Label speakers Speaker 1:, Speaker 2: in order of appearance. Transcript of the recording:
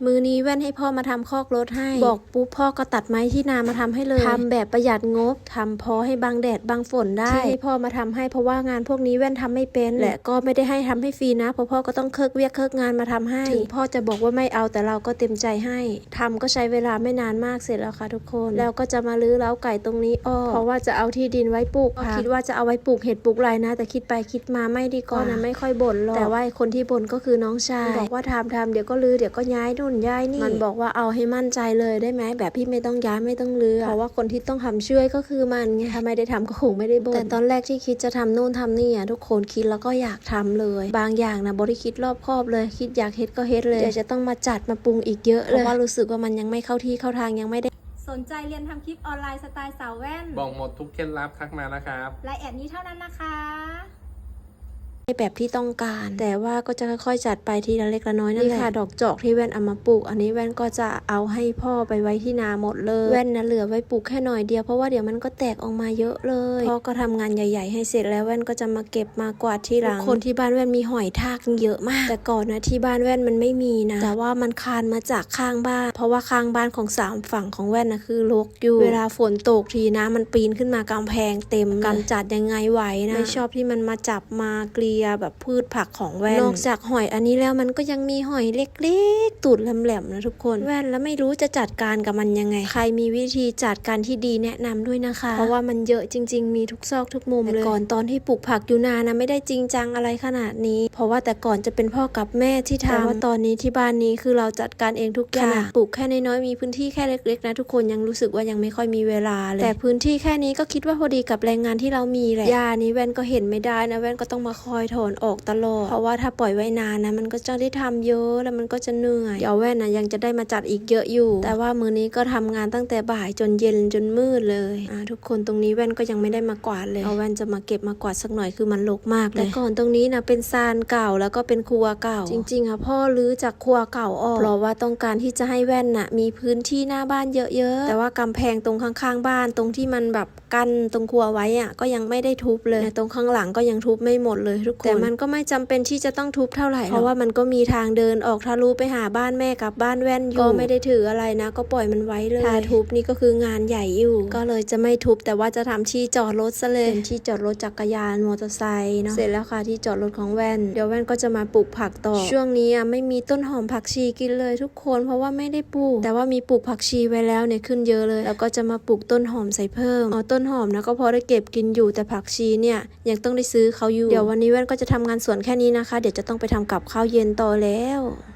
Speaker 1: มือนี้แว่นให้พ่อมาทำคอกรถให้บอกปุ๊บพ่อก็ตัดไม้ที่นามาทำให้เลยทำแบบประหยัดงบทำพอให้บังแดดบังฝนได้ที่ให้พ่อมาทำให้เพราะว่างานพวกนี้แว่นทำไม่เป็นและก็ไม่ได้ให้ทำให้ฟรีนะเพราะพ่อก็ต้องเคิกเวียกเคิกงานมาทำให้ถึงพ่อจะบอกว่าไม่เอาแต่เราก็เต็มใจให้ทำก็ใช้เวลาไม่นานมากเสร็จแล้วค่ะทุกคนแล้วก็จะมาลื้อเล้าไก่ตรงนี้เพราะว่าจะเอาที่ดินไว้ปลูกผักคิดว่าจะเอาไว้ปลูกเห็ดปลูกไรนะแต่คิดไปคิดมาไม่ดีกว่านะไม่ค่อยบ่นหรอกแต่ว่าคนที่บ่นก็คือน้องชายบอกว่าทำเดี๋ยวก็ลื้อเดี๋ยวก็ย้ายนู่นย้ายนี่มันบอกว่าเอาให้มั่นใจเลยได้ไหมแบบพี่ไม่ต้องย้ายไม่ต้องลื้อเพราะว่าคนที่ต้องทำช่วยก็คือมันไงถ้าไม่ได้ทำก็คงไม่ได้บ่นแต่ตอนแรกที่คิดจะทำนู่นทำนี่ทุกคนคิดแล้วก็อยากทำเลยบางอย่างนะบริคิดรอบคอบเลยคิดอยากเฮ็ดก็เฮ็ดเลยเดี๋ยวจะต้องมาจัดมาปรุงอีกเยอะเลยเพราะว่ารู้สึกว่ามันยังไม่เข้าที่เข้าทางยังไม่ได้
Speaker 2: สนใจเรียนทำคลิปออนไลน์สไตล์สาวแว่น
Speaker 3: บอกหมดทุกเคล็ดลับทักมานะครับ
Speaker 2: รายแอดนี้เท่านั้นนะคะ
Speaker 1: แบบที่ต้องการแต่ว่าก็จะค่อยๆจัดไปทีละเล็กละน้อยนั่นแหละนี่ค่ะดอกจอกที่แว่นเอามาปลูกอันนี้แว่นก็จะเอาให้พ่อไปไว้ที่นาหมดเลยแว่นนะเหลือไว้ปลูกแค่หน่อยเดียวเพราะว่าเดี๋ยวมันก็แตกออกมาเยอะเลยพ่อก็ทำงานใหญ่ๆให้เสร็จแล้วแว่นก็จะมาเก็บมากวาดที่หลังคนที่บ้านแว่นมีหอยทากเยอะมากแต่ก่อนนะที่บ้านแว่นมันไม่มีนะแต่ว่ามันคานมาจากข้างบ้านเพราะว่าข้างบ้านของ3ฝั่งของแว่นนะคือรกอยู่เวลาฝนตกทีนะมันปีนขึ้นมากำแพงเต็มกำจัดยังไงไหวนะไม่ชอบที่มันมาจับมาเกลียแบบพืชผักของแว่นนอกจากหอยอันนี้แล้วมันก็ยังมีหอยเล็กๆตูดแหลมๆนะทุกคนแว่นแล้วไม่รู้จะจัดการกับมันยังไงใครมีวิธีจัดการที่ดีแนะนำด้วยนะคะเพราะว่ามันเยอะจริงๆมีทุกซอกทุกมุมเลยก่อนตอนที่ปลูกผักอยู่นานะไม่ได้จริงจังอะไรขนาดนี้เพราะว่าแต่ก่อนจะเป็นพ่อกับแม่ที่ทำแต่ว่าตอนนี้ที่บ้านนี้คือเราจัดการเองทุกอย่างปลูกแค่น้อยๆมีพื้นที่แค่เล็กๆนะทุกคนยังรู้สึกว่ายังไม่ค่อยมีเวลาเลยแต่พื้นที่แค่นี้ก็คิดว่าพอดีกับแรงงานที่เรามีแหละหญ้านี้แว่นก็เห็นไม่ได้นะแว่นก็ต้องมาคอยถอนออกตลอดเพราะว่าถ้าปล่อยไว้นานนะมันก็จะได้ทำเยอะแล้วมันก็จะเหนื่อยเดี๋ยวแว่นนะยังจะได้มาจัดอีกเยอะอยู่แต่ว่ามื้อนี้ก็ทำงานตั้งแต่บ่ายจนเย็นจนมืดเลยทุกคนตรงนี้แว่นก็ยังไม่ได้มากวาดเลยเอาแว่นจะมาเก็บมากวาดสักหน่อยคือมันรกมากเลยแต่ก่อนตรงนี้นะเป็นซานเก่าแล้วก็เป็นครัวเก่าจริงๆพ่อรื้อจากครัวเก่าออกเพราะว่าต้องการที่จะให้แว่นมีพื้นที่หน้าบ้านเยอะๆแต่ว่ากำแพงตรงข้างๆบ้านตรงที่มันแบบกั้นตรงครัวไว้ก็ยังไม่ได้ทุบเลยตรงข้างหลังก็ยังทุบไม่หมดเลยทุกคนแต่มันก็ไม่จำเป็นที่จะต้องทุบเท่าไหร่เพราะว่ามันก็มีทางเดินออกทะลุไปหาบ้านแม่กับบ้านแว่นอยู่ก็ไม่ได้ถืออะไรนะก็ปล่อยมันไว้เลยถ้าทุบนี่ก็คืองานใหญ่อยู่ก็เลยจะไม่ทุบแต่ว่าจะทำที่จอดรถซะเลยเป็นที่จอดรถจักรยานมอเตอร์ไซค์เนาะเสร็จแล้วค่ะที่จอดรถของแว่นเดี๋ยวแว่นก็จะมาปลูกผักต่อช่วงนี้ไม่มีต้นหอมผักชีกินเลยทุกคนเพราะว่าไม่ได้ปลูกแต่ว่ามีปลูกผักชีไว้แล้วเนี่ยขึ้นเยอะเลยแล้วก็จะมาปลูกต้นหอมใส่เพิ่มต้นหอมนะก็พอได้เก็บกินอยู่แต่ผักชีเนี่ยยังต้องได้ซื้อเขาอยู่เดี๋ยววันนี้แว่นก็จะทำงานสวนแค่นี้นะคะเดี๋ยวจะต้องไปทำกับข้าวเย็นต่อแล้ว